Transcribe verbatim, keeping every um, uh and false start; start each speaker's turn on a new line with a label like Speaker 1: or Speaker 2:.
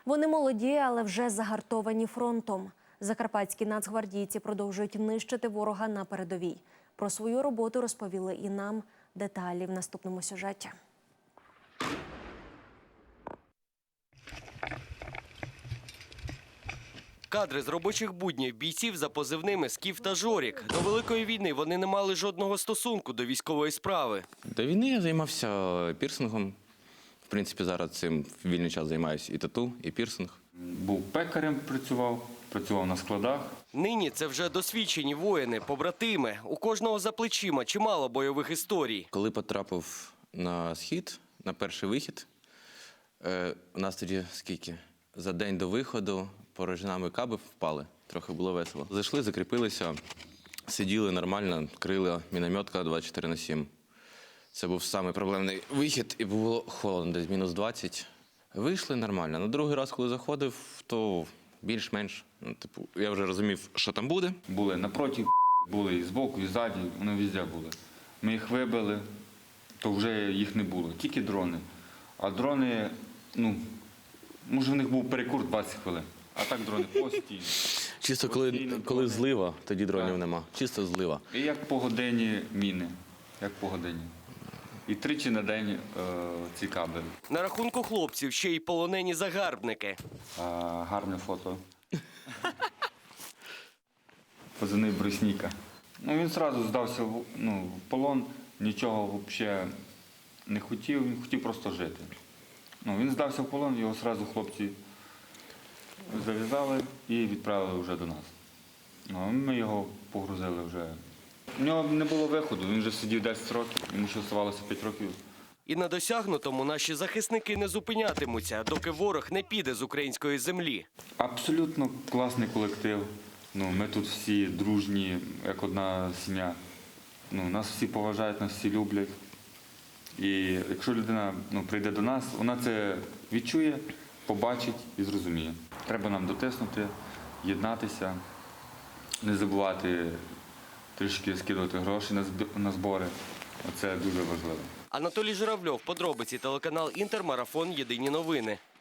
Speaker 1: Вони молоді, але вже загартовані фронтом. Закарпатські нацгвардійці продовжують нищити ворога на передовій. Про свою роботу розповіли і нам. Деталі в наступному сюжеті.
Speaker 2: Кадри з робочих буднів бійців за позивними «Скіф» та «Жорік». До Великої війни вони не мали жодного стосунку до військової справи.
Speaker 3: До війни я займався пірсингом. В принципі, зараз цим в вільний час займаюся і тату, і пірсинг.
Speaker 4: Був пекарем, працював, працював на складах.
Speaker 2: Нині це вже досвідчені воїни, побратими. У кожного за плечима чимало бойових історій.
Speaker 3: Коли потрапив на схід, на перший вихід, е, у нас тоді скільки? За день до виходу порожнами каби впали, трохи було весело. Зайшли, закріпилися, сиділи нормально, крили мінометка двадцять чотири на сім. Це був самий проблемний вихід і було холодно, десь мінус двадцять. Вийшли нормально. На другий раз, коли заходив, то більш-менш, ну, типу, я вже розумів, що там буде.
Speaker 4: Були напроти, були і збоку, і ззаді, вони везде були. Ми їх вибили, то вже їх не було, тільки дрони. А дрони, ну, може в них був перекур двадцять хвилин, а так дрони постійно.
Speaker 3: Чисто коли,
Speaker 4: Постійно
Speaker 3: коли
Speaker 4: дрони.
Speaker 3: злива, тоді дронів
Speaker 4: Так.
Speaker 3: нема. Чисто злива.
Speaker 4: І як по годині міни, як по годині. І тричі на день е, ці кабелі.
Speaker 2: На рахунку хлопців ще й полонені загарбники.
Speaker 4: А, гарне фото. Позивний Брусніка. Ну, він одразу здався в, ну, в полон, нічого взагалі не хотів, він хотів просто жити. Ну, він здався в полон, його одразу хлопці зав'язали і відправили вже до нас. Ну, а ми його погрузили вже. У нього не було виходу, він вже сидів десять років, йому ще залишилося п'ять років.
Speaker 2: І на досягнутому наші захисники не зупинятимуться, доки ворог не піде з української землі.
Speaker 4: Абсолютно класний колектив. Ну, ми тут всі дружні, як одна сім'я. Ну, нас всі поважають, нас всі люблять. І якщо людина ну, прийде до нас, вона це відчує, побачить і зрозуміє. Треба нам дотиснути, єднатися, не забувати трішки скидувати гроші на зб- на збори. Оце дуже важливо.
Speaker 2: Анатолій Журавльов, подробиці, телеканал «Інтер», марафон «Єдині новини».